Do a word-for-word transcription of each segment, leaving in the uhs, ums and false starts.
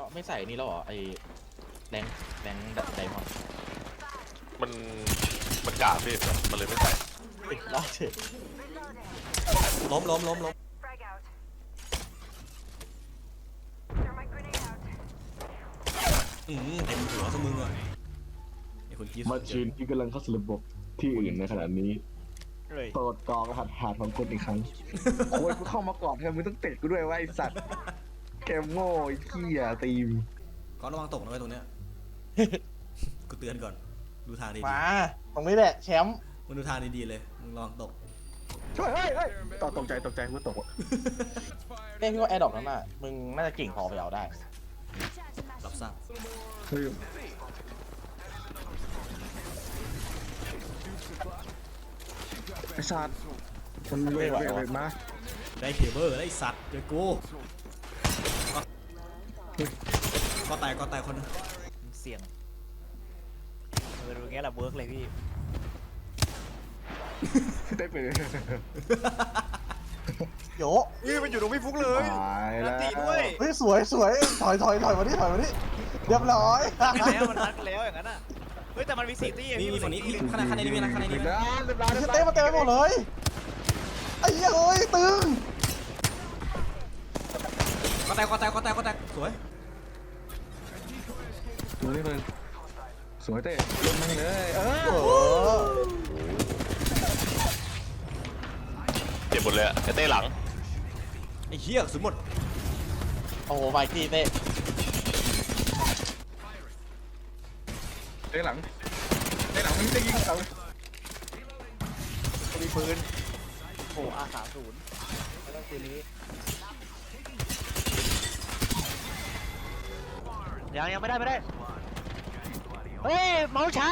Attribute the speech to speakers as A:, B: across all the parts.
A: ไม่ใส่นี่แล้วเหรอไอแรงแรงไดมอนด์
B: มันมันกาพี่มันเลยไม่ใส่
A: ล่าเฉย
C: ล้มล้มล้มล้มอืมเต็มหัวซะมึงอ่ะไอ้คนคิด
D: มาชีนที่กำลังเข้าสู่ระบบที่อื่นในขณะนี้
E: เลย
D: โปรดกรอกรหัสผ่านของคุณอีกครั้งโอ้ยกูเข้ามาก่อนแทนมึงต้องเตะกูด้วยว่าไอสัตว์เกมโง่ไอ้เหี้ยตีม
C: ก็ระวังตกนะไว้ตรงเนี้ยกูเตือนก่อนดูทางดี
A: มาตรงนี้แหละแชมป์
C: ๆมึงดูทางดีๆเลยมึงระวังตก
D: ช่วยเฮ้ยเฮ้ยตกตกใจตกใจกูตก
A: เต้พี่ว่าแอร์ดรอปนั้นน่ะมึงน่าจะเก่งพอไปเอาได้
C: รับทราบ
D: เฮ้ยไอสัตว์มันเวทเวทเวทมา
C: ได้เคเบิลได้สัตว์เจอกูก็ตายก็ตายคนนึง
E: เสี่ยงเออดูงี้แหละเวิร์กเลยพี่
D: ได้ไปเลย
A: โย
E: นี่มันอยู่ตรงพี่ฟุกเลย
D: ตายแล้ว
E: ตีด้วย
A: เฮ้ยสวยสวยถอยถอยถอยมาดิถอยมาดิเรียบร้อย
E: แล้วมันรักแล้วอย่างนั้นอ่ะเฮ้ยแต่มันมีสี่ตี้
C: นี่มีฝั่งนี้ข้างในข้างในนี่มีนะข้างในนี่มี
D: เรียบ
C: นะ
D: ร้อยเรียบร้อยเรียบร้อย
A: เต้มาเต็มไปหมดเลยไอ้เหี้ยเอ้ยตึง
C: ก็แตกก็แตกก็แตกก็แตกสวย
D: ดูนี่เลยสวยเต้ลงมันเลยเออ
A: เออ
B: เจ็บหมดเลยอะไอ้เต้หลัง
C: ไอ้เหี้ยสุดหมด
A: โอ้โหไปที่เต้
D: เต้หลังเต้หลังมึงจะยิงเขา
E: มีปืนโอ้อาสามศูนย์แล้วก็คืนนี้ยังยังไม่ได้ไม่ได้เฮ้ยเมาช้า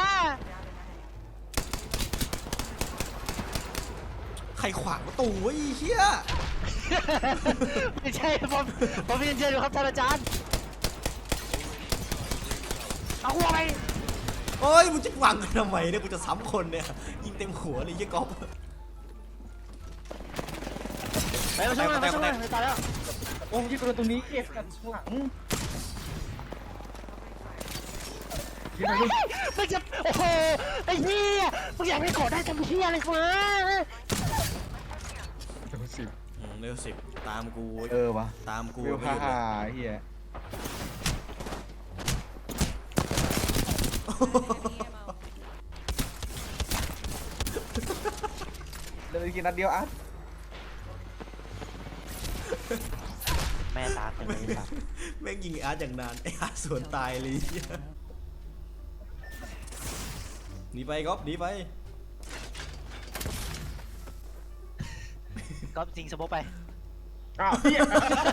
C: ใครขวางประตูวะไอ้เหี้ย
E: ไม่ใช่ผมผมเรียนเชิญอยู่ครับท่านอาจารย์เอาหัวไป
C: โอ้ยมึงจะวางกันทำไมเนี่ยกูจะซ้ำคนเนี่ยยิงเต็มหัวเลยยี่ก๊อฟ
E: ไปมาช่วยมาช่วยมาตายแล้ว
D: โอ้ยยิงตัวตรงนี้เก็บกันข้างหลังยิงอะไร
E: มึงจะโอ้โหไอ้เหี้ยมึงอยากให้ขอได้ทำเหี้ยอะไรวะ
D: สิบ
C: อืมเร็วสิบตามกู
D: เออวะ
C: ตามกู
D: วิว
C: ไม่
D: ฮ่า
C: หยุดเล
D: ฮ่าย เฮียเดินกินนัดเดียวอ่ะ
E: แม่ตาเต็มเลยครับ
C: แม่งยิงไอ้อาร์ตอย่างนานไอ้อาร์ตสวนตายเลยเหี้ยหนีไปก๊อฟหนีไป
E: ก็จริงสมมติไป
D: อ้าวเฮีย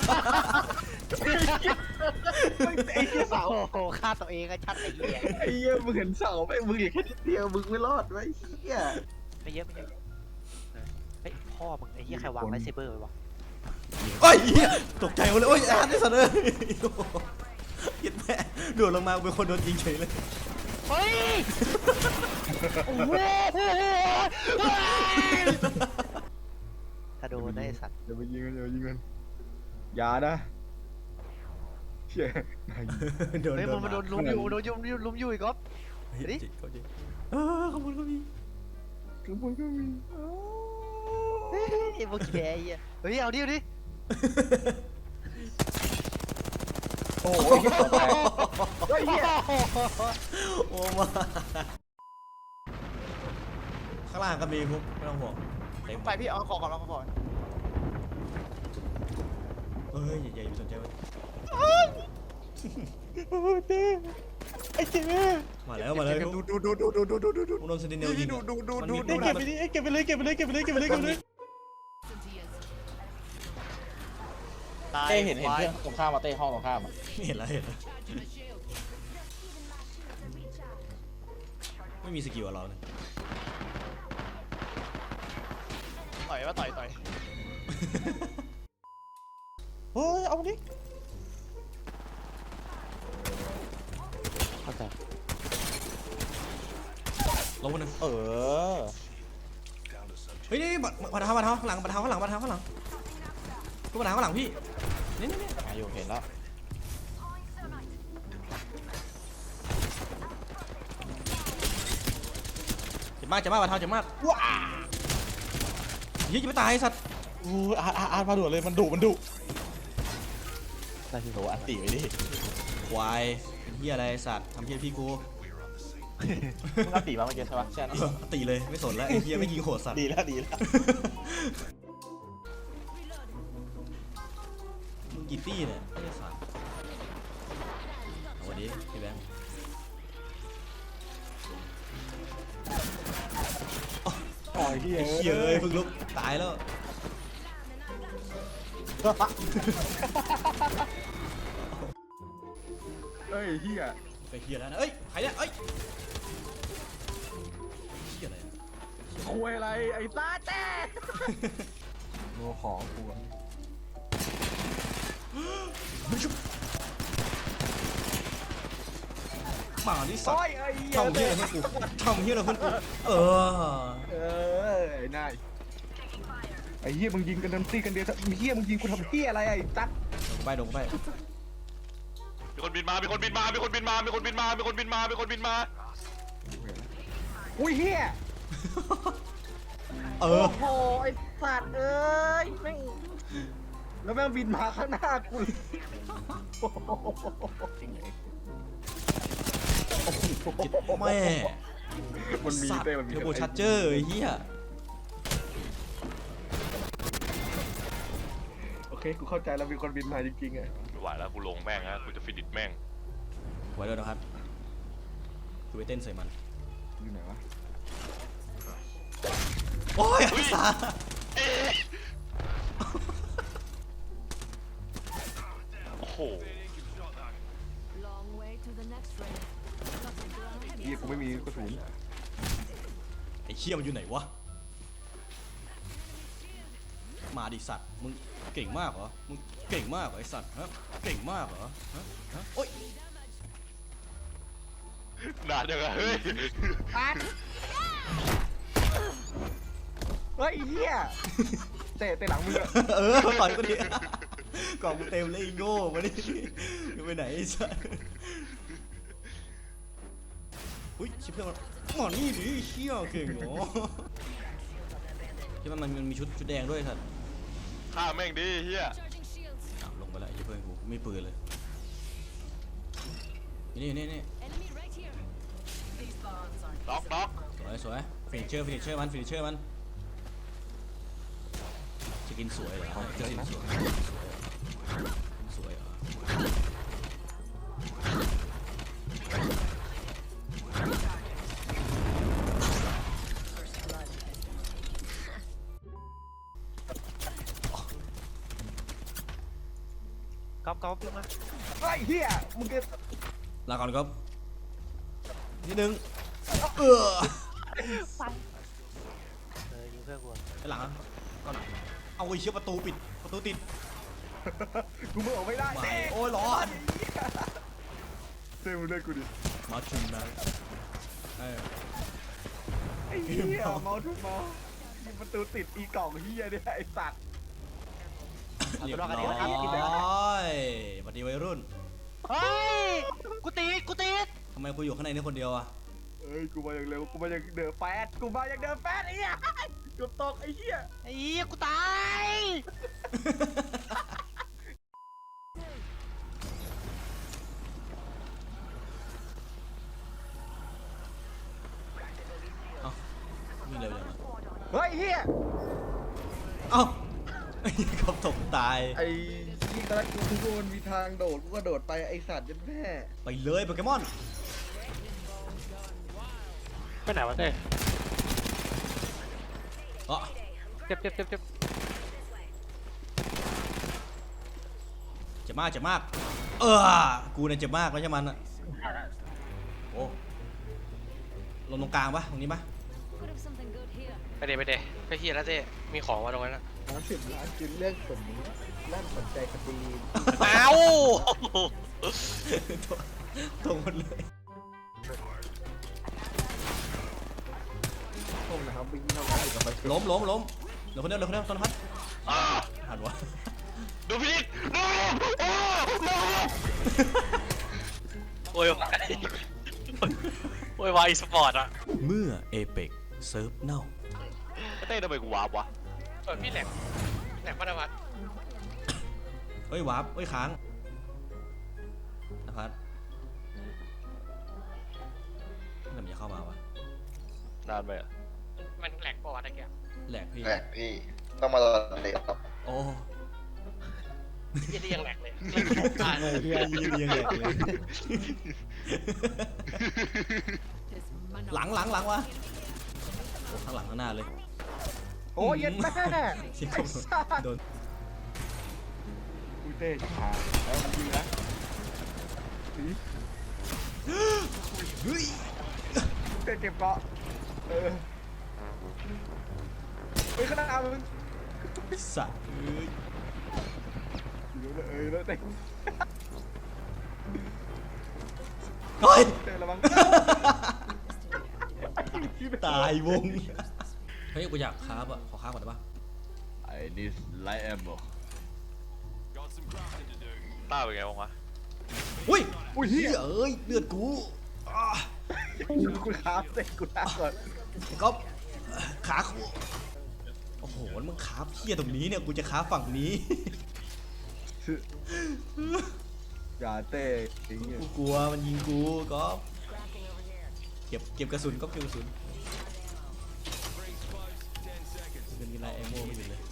D: ไอ้เฮียเสา
E: โอ้โหฆ่าตัวเองก็ชัดไอ้เหี้ย
D: ไอ้เฮียมึงเห็นเสาไหมมึงอีกแค่นิดเดียวมึงไม่รอดไว้เฮีย
E: ไม่เยอะไม่เยอะเฮ้ยพ่อมึงไอ้เหี้ยใครวางไลท์เซเบอร์ไว้วะ
C: โอ้ยเหี้ยตกใจหมดเลยโอ้ยอาร์ตไอ้สัตว์เลยยิดแม่โดดลงมาเป็นคนโดนยิงเฉยเลย
E: เฮ้ยโอ้โหถ้าโดนได้สัตว์
D: เดี๋ยวไปยิงมันเดี๋ยวไปยิงมันอย่านะเฮีย
C: โดน
E: เฮ้ย
C: โด
E: มัน
C: น
E: มาโดนลุมอยู่โดนลุมอยู่ลุมอยู่อีกก๊อฟ
C: เฮ้ย
E: ดิ
C: จิเขาจิเออขอบคุณเขามี
D: กระบวนก็มี
E: เฮ้ยพวกแกไอ้เหี้ยเฮ้ยเอาดิเอาดิ
D: โอ้ยเฮ้ยเฮีย
C: โอ้มาข้างล่างก็มีพวกไม่ต้องห่วงเต็ม
E: ไปพี่เอาของก่อนเอาของก่อน
C: เอ้ยอย่าอย่าสนใจมัน
A: เต้ไอ้เจ๊
C: มาแล้วมาแล้ว
D: ดูดูดูดูดูดูดูดูดู
C: โดนเซนติเนลยิง
D: ดูดูดู
C: มัน
D: ดู
C: มี
D: ดู
A: เก็บไปดิเก็บไปเลยเก็บไปเลยเก็บไปเลยเก็บไปเลยเก็บไปเลย
E: ตาย
A: เต้เห็นเห็นเพื่อนตรงข้ามมาเต้ห้องตรงข้ามอ่ะ
C: เห็นแล้วเห็นแล้วไม่มีสกิลอะเราเนี่ย
E: ต่อยว่าต่อยต่อย
A: เฮ้ยเอาดิเข้าใจ
C: ลงมาหนึ่ง
A: เออ
C: เฮ้ยนี่บัตรบัตรเท้าบัตรเท้าข้างหลังบัตรเท้าข้างหลังบัตรเท้าข้างหลังตู้บัตรเท้าข้างหลังพี่นี่นี่นี่
A: มาอยู่เห็นแล้ว
C: มากเจ็บมากว่าเท้าเจ็บมาก
A: ว้า
C: เฮ้ยจะไม่ตายไอ้สัตว์
A: อู้อาร์อาร์อาร์มาด่วนเลยมันดุมันดุได้ที่โหอันตีไว้ดิ
C: ควายเฮียอะไรไอ้สัตว์ทำเฮียพี่กู
A: มึงอันตีมาเมื่อกี้ใช่ปะใช่
C: เออตีเลยไม่สนแล้วไอ้เฮียไม่ยิงโหดสัตว์
A: ดีแล้วดีแล้ว
C: มึงกี่ตี้เนี่ยไอ้สัตว์เอาวันนี้พี่แบงค์
A: โอ้ยพี่
C: ไอ้เฮียเอ้ยเพิ่งลุกตายแล้ว
D: เฮ้ยเฮีย
C: ไปเฮียแล้วนะเอ้ยใครเนี่ยเอ้ยเฮียอะไรอะ
D: คุยอะไรไอ้ตาแจ๊โง่ของกู
C: หมาที่สัตว์
D: โอ้ยไอ้เหี้ย
C: ทำเฮียอะไรเพื่อนกูทำเฮียอะไรเพื่อนกูเออ
D: เออไอ้นายไอ้เหี้ยมึงยิงกันเต็มที่กันเดียวเหี้ยมึงยิงกูทำเหี้ยอะไรไอ้ตั๊ก
C: ลงไปลงไป
B: มีคนบินมา มีคนบินมา มีคนบินมา มีคนบินมา มีคนบินมา มีคนบินมา
D: อุ้ยเหี้ย
C: เอ
D: โอ้
C: อ
D: โหไอ้สัตว์เอ้ยแม่งแล้วแม่งบินมาข้างหน้ากูจริงไง
C: แม่
D: มันมี
C: สัตว์
D: เต้มันมี
C: เทอร์โบชาร์เจอร์ไอ้เฮีย
D: โอเคกูเข้าใจแล้วมีคนบินมาจริงๆอ่ะ
B: ไม่ไหวแล้วกูลงแม่งนะกูจะฟินิชแม่ง
C: ไว้ด้วยนะครับคือไปเต้นใส่มัน
D: อยู่ไหนวะ
C: โอ้ยไอ้สัส
B: เอ๊ะโอ้โห
F: Long way to the next ring.
D: เหี้ยกูไม่มีกระสุน
C: ไอ้เชี่ยมันอยู่ไหนวะมาดิสัตว์มึงเก่งมากเหรอมึงเก่งมากเหรอไอ้สัตว์ฮะเก่งมากเหรอฮะฮะโอ๊ย
B: นานจังอะเฮ้ย
D: เฮ้ยเหี้ยเตะเตะหลังมือ
C: เออต่อยก็ดีกล่องกูเต็มเลยไอ้โง่มาดิมึงไปไหนไอ้สัตว์อุ้ยชิบเพื่อนมันหมอนี่ดิเชี่ยเก่งเหรอที่มันมันมีชุดชุดแดงด้วยสัตว์
B: ฆ่าแม่งดิเฮีย
F: Charging shields.
C: อ่ะลงไปแล้วไอ้เพื่อนกูไม่ปืนเลยนี่นี่นี่
F: Enemy right here. These bombs are
B: ล็อกล็อก
C: สวยสวยฟินิชเชอร์ฟินิชเชอร์มันฟินิชเชอร์มันจะกินสวยเหรอจะกินสวยสวยเหรอ
E: ก๊อฟก๊อฟขึ้นมา
D: เฮ้ยเหี้ยมึงจะ
C: ลาก่อนครับนิดนึงเออ
E: เออยิงเพื่อนกู
C: ไปหลังก่อนเอาไอ้เชี่ยประตูปิดประตูติด
D: กูไม่ออกไม่ได้
C: ไม่
D: เต้
C: โอ้ยร้อน
D: เต้มึงเล่นกูดิ
C: มาชุนนะเออ
D: ไอ้เหี้ยเมาทุกเมายิงประตูติดอีกล่องเหี้ยเนี่ยไอ้สัตว์
C: เรียบร้อยสวัสดีวัยรุ่น
E: เฮ้ยกูติดกูติด
C: ทำไมกูอยู่ข้างในนี่คนเดียวอะ
D: เอ้ยกูมาอย่างเร็วกูมาอย่างเดอะแฟสกูมาอย่างเดอะแฟสไอ้เหี้ยเกือบตกไอ้เหี้ย
E: ไอ้เหี้ยกูตาย
C: เอ้าวิ่งเร็วจังวะ
D: เฮ้ยเหี้ย
C: เอ้าไอ้กบตกตาย
D: ไอ้ที่ตอนแรกกูคิดว่ามันมีทางโดดกูก็โดดไปไอ้สัตว์ยันแม่
C: ไปเลยโปเกมอน
E: ไปไหนวะเต้
C: อ๋อ
E: เจ็บเจ็บเจ็บเจ็บ
C: เจ็บมากเจ็บมากเออกูเนี่ยเจ็บมากแล้วใช่มันอะโอ้ลงตรงกลางปะตรงนี้ปะ
F: could have something good here.
E: ไปเดไปเดไปเฮียแล้วเต้มีของมาตรงนั้นนะ
D: สามสิบล้านกินเรื่องสมนี้ลั่นสนใจคดี
E: เอ้า
C: ตรงหมดเลย
D: พวกนะครับวิ่งเข้ามาอีกกับไป
C: ล้มล้มล้มเหลือคนเดียวเหลือคนเดียวต้นพัด
B: อ่า
C: หันวะ
B: ดูพี่ดูโอ้โห
E: โอ้ยวายโอ้ยวายอีสปอร์ตอะ
C: เมื่อเอเปกเซิร์ฟเน่า
B: เต้ทำไมกูวาร์ปวะ
G: เออพี่แหลกแหลกพัฒวัฒน์
C: เฮ้ยวาร์ปเฮ้ยค้างนภัสทำไมจะเข้ามาวะ
B: นานไปอ่ะ
G: มันแหลกปะวะตะเกียบ
C: แหลกพี่
H: แหลกพี่ต้องมารอเตะครับ
C: โอ้
G: ยี่นี่ยังแหลกเลย
C: เฮียยืนยังแหลกเลย
F: This man
C: หลังหลังหลังวะโอ้ข้างหลังข้างหน้าเลย
D: โอ้ยเย็นแม่
C: เสียง
D: ไอ้สัส
C: โดน
D: อุ้ยเต้ชิบหายแล้วมันยิงนะสี
C: เฮ้ย
D: เต้เก็บเกาะเออเฮ้ยขนาดมึง
C: สัตว์เอ้ย
D: อยู่เลยเออแล้วเต้
C: เฮ้ย
D: เต้ระวัง
C: ตายวงเฮ้ยกูอยากคาบอ่ะขอคาบก่อนได้ปะ
D: ไอ้นี่ไลท์แอมบอก
B: ต้าเป็นไงบ้างวะ
C: อุ้ย
D: อุ้ย
C: เฮี
D: เฮี
C: ย
D: ย
C: เอ้ยเลือดกูอ่า
D: กูครับเต้กูท้าก่อน
C: ไอ้ก๊อฟขากูโอ้โหแล้วมึงขาเฮียตรงนี้เนี่ยกูจะขาฝั่งนี้
D: อย่าเต้จริงเนี่ย
C: กูกลัวมันยิงกูก๊อฟเก็บเก็บกระสุนก๊อฟเก็บกระสุนเป็นกีฬาแอมโม่ไม่เป็นเลย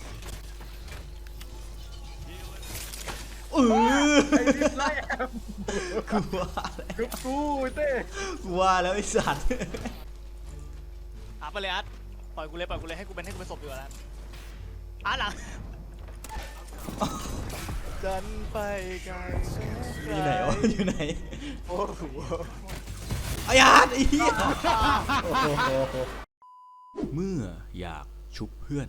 C: เออ
D: ไอ้นี่ไลท์แอม
C: กูว่าแล้ว
D: กูกูเต้
C: กูว่าแล้วไอ้สัตว์
E: อาร์ตไปเลยอาร์ตปล่อยกูเลยปล่อยกูเลยให้กูเป็นให้กูเป็นศพดีกว่าแล้วอาร์ตหลังจันไปไกล
C: อยู่ไหนวะอยู่ไหน
E: โอ้โห
C: ไอ้อาร์ตไอ้เหี้ยเมื่ออยากชุบเพื่อน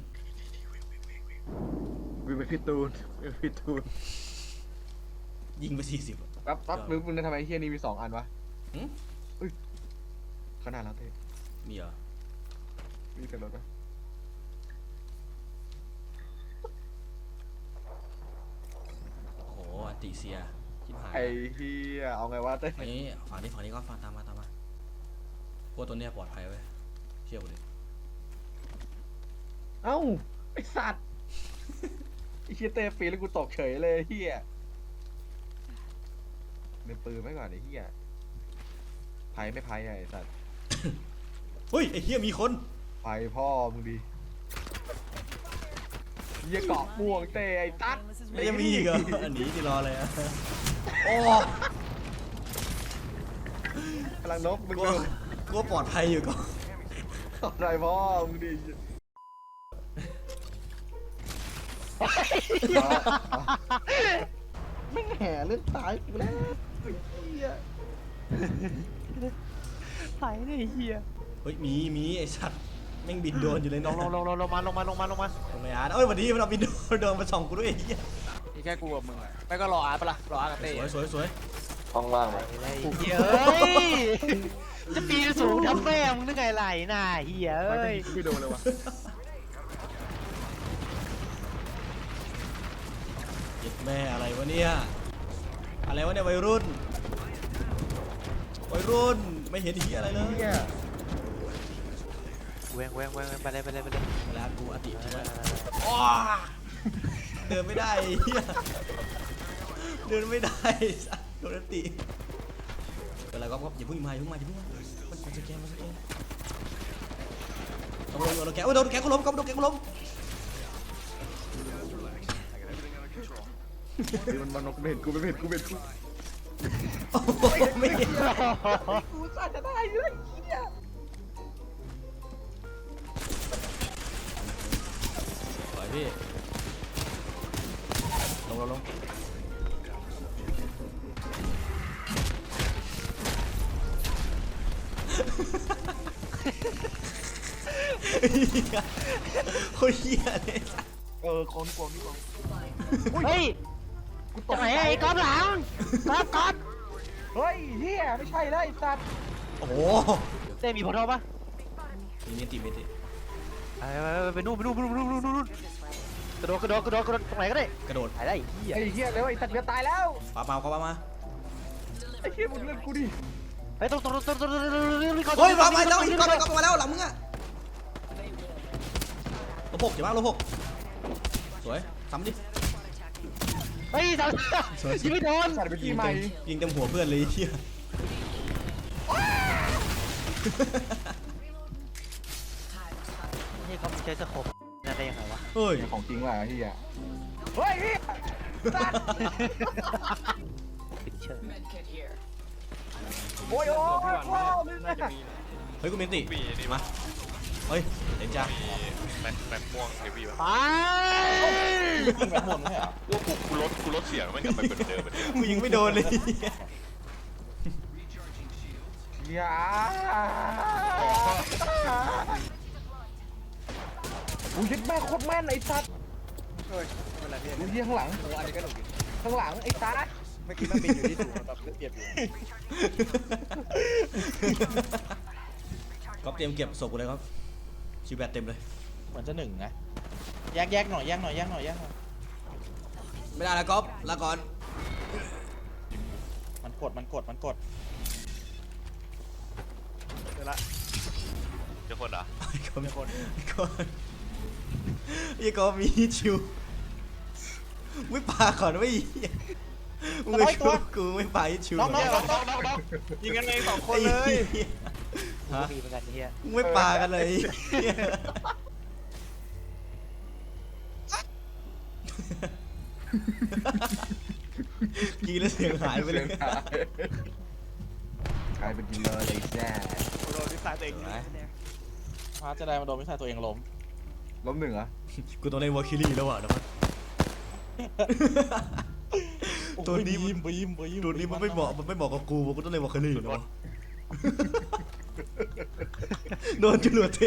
D: กูเป็นพี่ตูนเป็นพี่ตูน
C: ยิงไปสี่สิบ
D: ปั๊บปั๊บมึงมึงทำไมเฮียนี่มีสองอันวะ
C: หืม
D: อุ้ยขนาดแล้วเต้
C: มีเหรอ
D: มีแต่รถปะ
C: โอ้โหอันติเซียชิบหาย
D: ไอ้เฮียเอาไงวะเต้
C: ฝั่งนี้ฝั่งนี้ฝั่งนี้ก็ฟังตามมาตามมาพวกตัวเนี้ยปลอดภัยเว้ยเชื่อกูดิ
D: เอ้าไอสัตว์ไอเฮียเต้ฟรีแล้วกูตกเฉยเลยเฮียเดินปืนไว้ก่อนไอเฮียไพ่ไม่ไพ่ไอสัตว์
C: เฮ้ยไอ้เหี้ยมีคน
D: ไพ่พ่อมึงดีเฮียเกาะม่วงเต้ไอ้ตั๊ด
C: ไม่ยังมีอีกเหรออันนี้ที่รอเลยอะโอ้
D: พลังนกมึง
C: กู
D: ดู
C: กูปลอดภัยอยู่ก่อน
D: ตอนไรพ่อมึงดีไม่แห่เล่นตายกูแล้วไอ้เฮีย
E: ไหลเลยเฮีย
C: เฮ้ยมีมีไอ้สัตว์แม่งบินโดนอยู่เลย
E: ล
C: นะ
E: งลงลงลงลงมาลงมาลงมาลงมา
C: ทำไมอาร์ตเอ้ยวันนี้มันเอาบินโดนโดนมาส่องกูด้วยไอ้เหี้ย
E: นี่แค่กูกับมึงอะไม่ก็รออาร์ตปะล่ะรออาร์ตกับเต้
C: สวยสวยสวย
H: ห้องว่างไหม
E: เฮียเอ้ยจะปีนสูงทำแม่มึงนึกไงไหลน่ะเฮีย
D: ไม่
E: เอ้ย
D: ไม่โดนเลยวะ
C: เย็ดแม่อะไรวะเนี่ยอะไรวะเนี่ยวัยรุ่นวัยรุ่นไม่เห็นเหี้ยอะไรเลย
D: เฮีย
E: เว้งเว้งเว้งไปเลยไปเลยไปเลย
C: เวลากูอติใช่ไหมอ้าเดินไม่ได้ไอ้เหี้ยเดินไม่ได้สัตว์โดนอติเป็นไรก็ก็อย่าเพิ่งมาอย่าเพิ่งมาอย่าเพิ่งมามันมันสแกนมันสแกนโดนโดนแกโอ้ยโดนแกก็ล้มก็โดนแกก็ล้ม
D: มันมันมันไม่เห็นกูไม่เห็นกูไม่เห็นกู
C: โอ้โหไม่เห็น
D: กูสั่นจะได้เลยเฮีย
C: ปล่อยพี่ลงลงลงโคตรเหี้ยเลย
D: เออคนกลัวนี่กลัว
E: เฮ้ย
D: กูต
E: จะ
D: ก
E: ไหนไอ้ก๊อฟหลังก๊อฟก๊อฟ
D: เฮ้ยเฮียไม่ใช่แล้วไอ้สัตว์
C: โอ้โห
E: เต้มีพอร์ทัลปะ
C: มีเมติเมติ
E: ไปไปไปไปนู่นไปนู่นไปนู่นไปนู่นไปนู่นกระโดดกระโดดกระโดดกระโดดตรงไหนก็ได้
C: กระโดด
E: ไปได้ไอ้เหี้ย
D: ไอ้เฮียแล้วไอ้สัตว์จะตายแล้ว
C: ปาเปล่าเขาปามา
D: ไอ้เฮียมึงเล่นกูดิ
E: ไปตรงตรงตรงตรงตรงตรงตรง
C: เฮ้ยมามาแล้วอีกก้อนก้อนมาแล้วหลังมึงอะลบหกเจ็บมากลบหกสวยซ้ำดิ
E: เฮ้ยท
C: สวย
E: ำยิงไม่โดน
D: สัตว์เป็นที่ใหม่
C: ยิงเต็มหัวเพื่อนเลยไอ้เฮีย
E: นี่เขาใช้สโคปนั่นได้ยังไงวะ
C: เฮ้ย
D: ของจริงว่ะที่อ่ะ
A: เฮ้ยพี่
E: ปิดเชิญ
A: โอ้ยโอ้ยว้าวนี่นะ
C: เฮ้ยกูเมนติ
B: มีนี่
C: มาเฮ้ยเต็มจ้า
B: มีแม็กแม็กม่วงเฮฟวี่ปะ
E: ไป
A: ยิงแบบหมดไม่ใช่เหรอ
B: ว่ากูกูลดกูลดเสียงไม่กลับไปเป็นเดิมเหมือนเดิม
C: กูยิงไม่โดนเลย
D: อย่าอุ้ยยึดแม่โคตรแม่นไอ้สัตว์
A: เฮ้ยเป็นไรพี่
D: ดูเยี่ยข้างหลัง
A: โอ้อันนี้ก็หนุกดี
D: ข้างหลังไอ้ตา
A: เมื่อกี้มันบินอยู่ที่สูงแบบเทียบอยู่
C: ก๊อฟเตรียมเก็บศพกูเลยครับชิวแบตเต็มเลย
A: เหมือนจะหนึ่งนะแยกแยกหน่อยแยกหน่อยแยกหน่อยแยกหน่อย
C: ไม่ได้แล้วก๊อฟลาก่อน
A: มันกดมันกดมันกด
E: เดี๋ยวละ
B: เจ้าคนเหรอ
C: ไอ้ก๊อฟมีคนไอ้ก๊อฟไอ้ก๊อฟมีชิวไม่ปาก่อนไม่มึงไม่ชุบกูไม่ปาชิว
A: น้องน้อง
B: น้
A: น้
B: อ
A: อง ง
B: น้องน้องน้อง
E: ยิงกันเองสองคนเลย
C: ฮะ
E: มีเหมือนกันเฮีย
C: มึงไม่ปากันเลยกีแล้วเสียงหายไปเลย
D: กลายเป็นกินเลยไอ้แซ่
E: โดนที่สายตัวเอง
A: พาจะได้มาโดนไม่ใช่ตัวเองล้ม
D: ล้มหนึ่งเหรอ
C: กูต้องเล่นวอลคิลี่แล้วว่ะนะพัด ตัวนี้
A: บีมบีมบีม
C: ตัวนี้มันไม่เหมาะมันไม่เหมาะกับกูกูต้องเล่นวอลคิลี่แล้ววะโดนจรวดเอง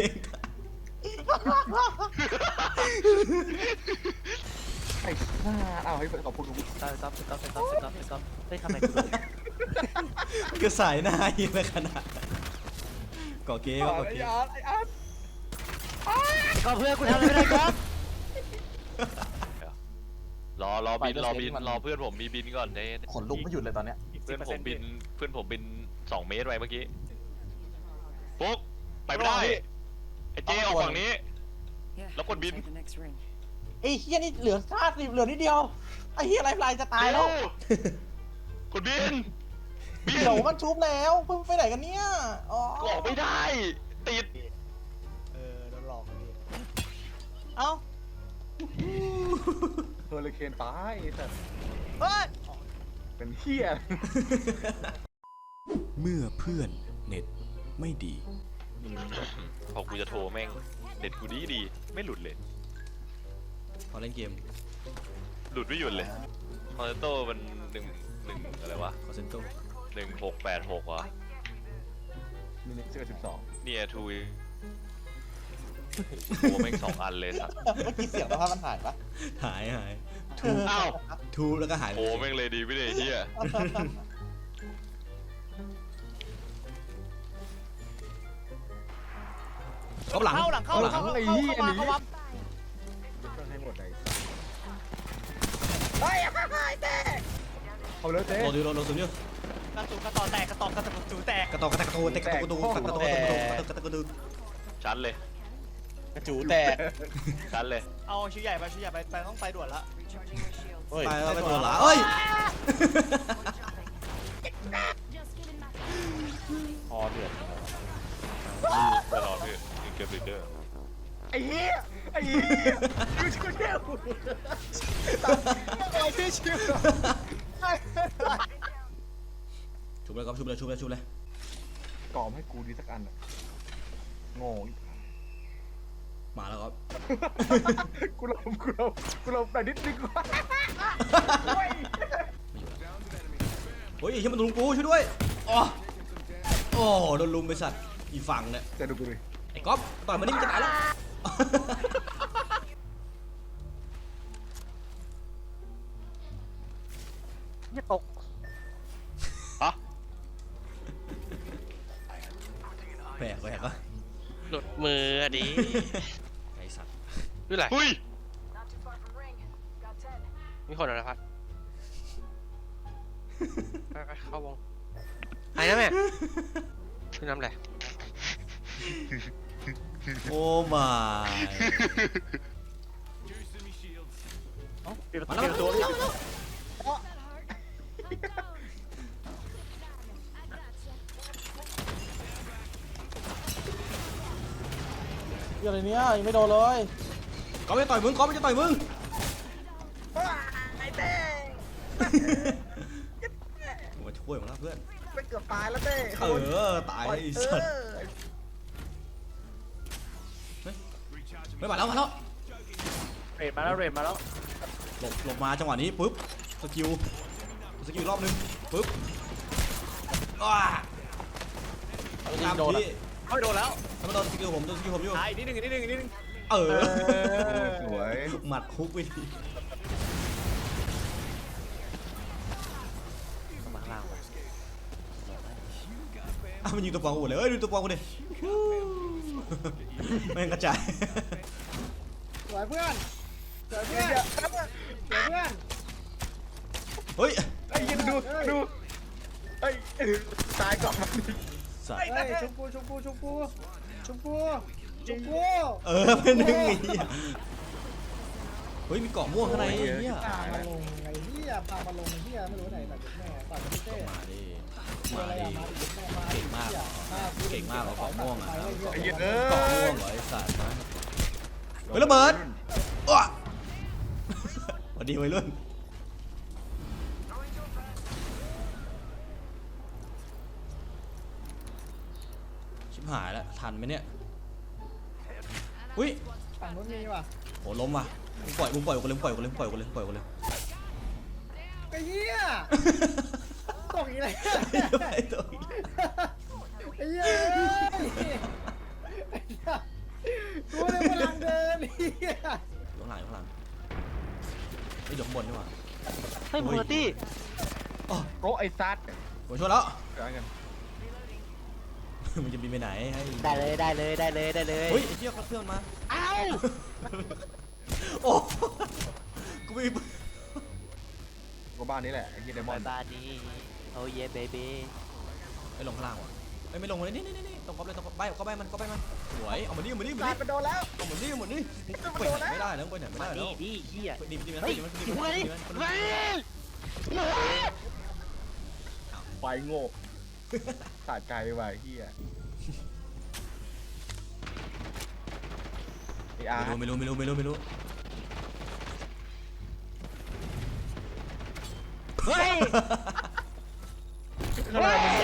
D: ไอ้ซ่าอ้าวให้ขอบคุณ
E: ตอนต๊อปต๊อปต๊อปต๊อปต๊อปเฮ้ยทำไมกูโดน
C: ก็สายหน้ายิงไปขนาดก่อเก๊ก็ก่อ
D: ไอ้
C: เก๊
D: อาร์ตไอ้อาร์ต
E: ก็เพื่อนกูทำอะไรไม่ได้ครับ
B: รอรอบินรอบินรอเพื่อนผมมีบินก่อนเน
A: ขนลุกไม่หยุดเลยตอนเนี้ย
B: เพื่อนผมบินเพื่อนผมบินสองเมตรไปเมื่อกี้ปุ๊กไปไม่ได้ไอ้เจออกฝั่งนี้ แล้วกดบิน
A: ไอ้เฮียนี่เหลือคาดเหลือนิดเดียวไอ้เฮียไลฟ์ไลน์จะตายแล้ว
B: กดบินบิน
A: เดี๋ยวมันชุบแล้วเพิ่งไปไหนกันเนี่ยอ๋อ
B: ก็ออกไม่ได้ติด
E: เออโดนหลอกกันดิเอ้า
D: เฮอริเคนตายไอ้สัตว์
E: เฮ้ย
D: เป็นเฮีย
C: เมื่อเพื่อนเน็ตไม่ดี
B: พอกูจะโทรแม่งเด็ดกูดีดีไม่หลุดเลย
C: พอเล่นเกม
B: หลุดไม่หยุดเลยคอนเทนโต้มันหนึ่งหนึ่งอะไรวะ
C: คอเซนโต
B: หนึ่งหกแปดหกวะ
D: มินิเจอร์สิบสอง
B: เนี่ยทูโอ้แม่งสองอันเลยสัตว์
A: เมื่อกี้เสียงสภาพมันหายปะ
C: หายหายทู
B: อ้าว
C: ทูแล้วก็หายไป
B: โอ้แม่งเลยดีไม่ได้เฮีย
C: เขาหลัง
E: เข้าหลังเข้าหลังเข้าเข้าเข้ามาเข้ามา
D: ให้หมดเลยเอาเลยเต้
C: โดนดูโดนโดนสุดเนี่ย
E: กระตุกกระต่อแตกกระต่อกระตุกจูแตก
C: กระตอกกระแตกกระตูนกระตอกกระตูนกระตอกกระตูนกระตอกกระตูนกระตอกกระตูน
B: ชัดเลย
A: กระจูแตก
B: ชัดเลย
E: เอาชิ้นใหญ่ไปชิ้นใหญ่ไปไปต้องไปด่วนละ
A: เฮ้ย
C: ไปแล้วไปตัวหลาเอ้ย
A: คอเดือด
B: ตลอดพี่ยิงเกมลีดเดอร์
D: ไอ้เหี้ยไอ้เหี้ยยูชิโกเทลตายที่ชิว
C: ชุบเลยครับชุบเลยชุบเลยชุบเลย
D: กรอบให้กูดีสักอันอ่ะโง่
C: มาแล้วครับ
D: กูลมกูลมกูลมแต่นิดนึงว่า
C: โอ้ยไอ้เหี้ยมันลุมกูช่วยด้วยอ๋อโอ้โดนลุมไปสัตว์อีฝั่งเนี่ย
D: จะดูกูดิ
C: ไอ้ก๊อฟต่อยมันนี่มันจะตายแล้ว
E: เนี่ยตก
B: ฮะ
C: แปลกแปลกวะ
G: หลุดมืออะดิ
C: ไอ้สัตว์
G: ด้วยไร
B: เฮ้ย
G: มีคนเหรอพัดไปไปเข้าวงไอ้นะแม่ชื่อน้ำอะไร
C: โอ้มา
E: ปิดประ
C: มา
E: ตู
C: แล้ว
E: ปิดประตู
C: มาแล้ว
A: เหี้ยอะไรเนี้ยยังไม่โดนเลย
C: ก๊อฟจะต่อยมึงก๊อฟจะต่อยมึง
D: ไอ้เต้
C: มาช่วยมึงแล้วเพื่อน
D: ไปเกือบตายแล้วเต้
C: เออตายไอ้สัตว์ไม่มาแล้วมาแล้ว
E: เรดมาแล้วเรดมาแล้ว
C: หลบหลบมาจังหวะนี้ปุ๊บสกิลสกิลรอบนึงปุ๊บว้า
A: เอาจริ
C: ตาม
A: งโดน
C: ที่
A: อะ
E: เฮ้ยโดนแล้ว
C: ถ้ามันโดนสกิลผมโดนสกิลผมอยู่
E: ตายอีกนิดนึงอีกนิดนึงอีกนิดนึง
C: เออ
D: สวย
C: หมัดฮุกไปที
E: มาข้างล่างไป
C: อ่ะมันยิงตัวปองกูหมดเลยเอ้ยดูตัวปองกูดิแม่งกระจาย
A: สวยเพื่อนสวยเพื่อนสวยเพื่อน
C: เฮ้ย
D: ไอ้ยินดูดูไอ้ตายก่อนมัน
C: สัตว์
A: เฮ้ยชมพูชมพูชมพูชมพูชมพู
C: เออเป็นหนึ่งไอ้เหี้ยเฮ้ยมีเกาะม่วงข้างในไอ้เหี้ย
A: พามาลงไอ้เหี้ยพามาลงไอ้เหี้ยไม่รู้ไหนแต่แม่ต่อยพี่เต้
C: มาดิ
A: เหี้ย
C: มา
A: อะไร
C: ดิ
A: อะมาดิแม่มา
C: เก่งมากเหรอเก่งมากเหรอเกาะม่วงอ่ะ
D: ไอ้เหี้ยเอ
C: เกาะ
D: อ
C: ม่วงเหรอไอ้สัตว์นะเฮ้ยระเบิดอ้วสวัสดีวัยรุ่นชิบหายแล้วทันไหมเนี่ยอุ้ย
A: ฝั่งนู้นมีว่ะ
C: โหล้มว่ะมึงปล่อยมึงปล่อยกูเลยมึงปล่อยกูเลยมึงปล่อยกูเลยมึงปล่อยกูเลย
A: ไอ้เหี้ยตกอีกแล้ว
C: ไอ้ตัวอีก
A: ไอ้เหี้ยไอ้เหี้ยกูเลยกำลังเดินไอ้เหี้ย
C: อยู่ข้างหลังอยู่ข้างหลังไอ้ยอยู่ข้างบนดีกว่า
E: เฮ้ยมูลตี้
C: อ๋อ
D: โอ้ไอ้ซัด
C: ผมช่วยแล้ว
D: เดี๋ยวกัน
C: มันจะบินไปไหนให้
E: ได้เลยได้เลยได้เลยได้เลย
C: เฮ้ยไอ้เหี้ยเขาเพื่อนมา
E: อ้าว
C: โอ้กูไม่
D: ก็บ้านนี้แหละไอ้เฮียเดมอน
E: บ้านนี้โอ้เย่เบบี้
C: ไม่ลงข้างล่างว่ะเอ้ยไม่ลงเลยนี่นี่นี่นี่ตรงก๊อปเลยตรงก๊อปใบก็ใบมันก็ใบมันสวยเอามานี่เอามานี่เอามา
D: ตาย
C: นี่
D: ไปโดนแล้ว
C: เอามานี่เอามานี่ไปไหนไม่ได้นะไปไหนไม่
E: มา
C: ได้แล้
E: นี่
C: ว
E: ดิเฮีย
C: ดีดีมัน
E: เฮ้ย
C: ดีมันดี
E: อยู่
C: มัน
E: ไง
C: ดี
E: ดิ
C: มัน
E: มา
D: ไฟโง่สาดใจว่ะไอ้เฮียไอ้อาร์
C: ไม่รู้ไม่รู้ไม่รู้ไม่รู้
E: เฮ้ย
D: ขนาดมัน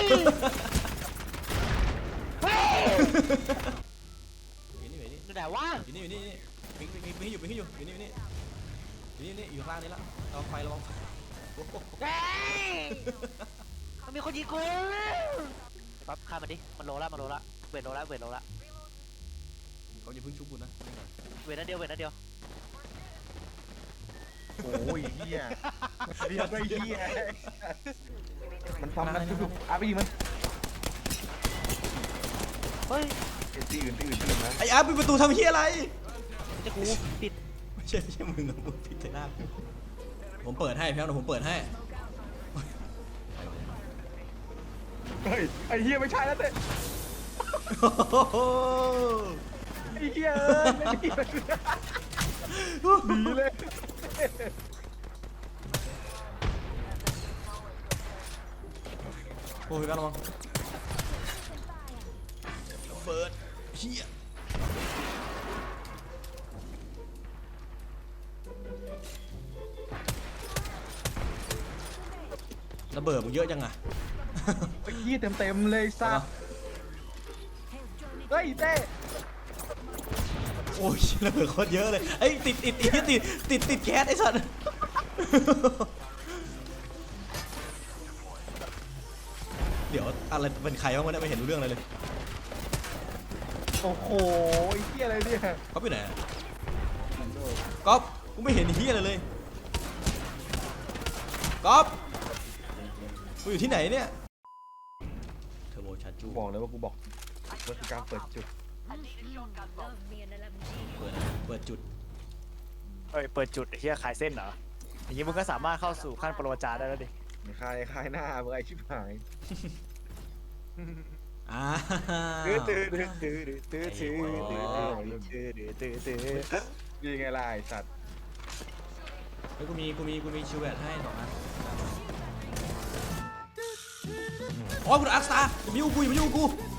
C: อยู่นี่อยู่นี่
E: อยู่ไหนวะ
C: อยู่นี่อยู่นี่นี่มีมีมีอยู่มีอยู่อยู่นี่อยู่นี่อยู่นี่นี่อยู่ข้างล่างนี่ละระวังไฟระวังไฟโอ้โห
E: เฮ้ยมันมีคนยิงกูปั๊บฆ่ามันดิมันโลละมันโลละเวทโลละเวทโลละ
C: เขาอย่าเพิ่งชุบกูนะ
E: เวทนัดเดียวเวทนัดเดียว
D: โอ้ยเฮียเรียกไปเฮียมันซ้ำนะทุกๆอาร์ไปยิงมัน
E: เฮ้ย
D: เอ็นตีอื่นตีอื่นไปเลยนะ
C: ไอ้อาร์ปิดประตูทำเฮียอะไร
E: จะกูปิด
C: ไม่ใช่ไม่ใช่มึงอะมึงผิดแต่หน้ากูผมเปิดให้พี่น้องผมเปิดให้
D: เฮ้ยไอ้เฮียไม่ใช่แล้วเต้
C: โอ้โห
D: ไอ้เฮียเอ้ยไม่ดีเลยดีเลย
C: โอ้ยกันระวังเปิดเฮียระเบิดมึงเยอะจังอะ
D: ไอ้เฮียเต็มเต็มๆเลยซัดเฮ้ยเต้
C: โอ้ยระเบิดโคตรเยอะเลยไอ้ยติดติดติดติดติดติดแก๊สไอ้สัตว์เดี๋ยวอะไรเป็นใครบ้างวะเนี่ยไม่เห็นรู้เรื่องอะไรเลย
D: โอ้โหไอ้เฮียอะไรเนี่ย
C: ก๊อฟอยู่ไหนอะก๊อฟกูไม่เห็นเฮียอะไรเลยก๊อฟกูอยู่ที่ไหนเนี่ยเทอร์โบชาร์จู
D: กูบอกเลยว่ากูบอกว่าคือการเปิดจุด
F: Love me an L M G.
C: เปิดเปิดจุด
E: เฮ้ยเปิดจุดเฮียขายเส้นเหรออย่างนี้มึงก็สามารถเข้าสู่ขั้นปรมาจารย์ได้แล้วดิ
D: คลายคลายหน้าเมื่อไอชิบหาย
C: อ่า
A: ตื้อตื้อตื้อตื้อตื้อตื้อตื้อตื้อตื้อตื้อตื้อ
D: นี่ไงล่ะไอ้สัตว์
C: เฮ้ยกูมีกูมีกูมีชิวเวตให้สองอันโอ้ยกูโดนอักสตาร์อย่ามายุ่งกูอย่ามายุ่งกู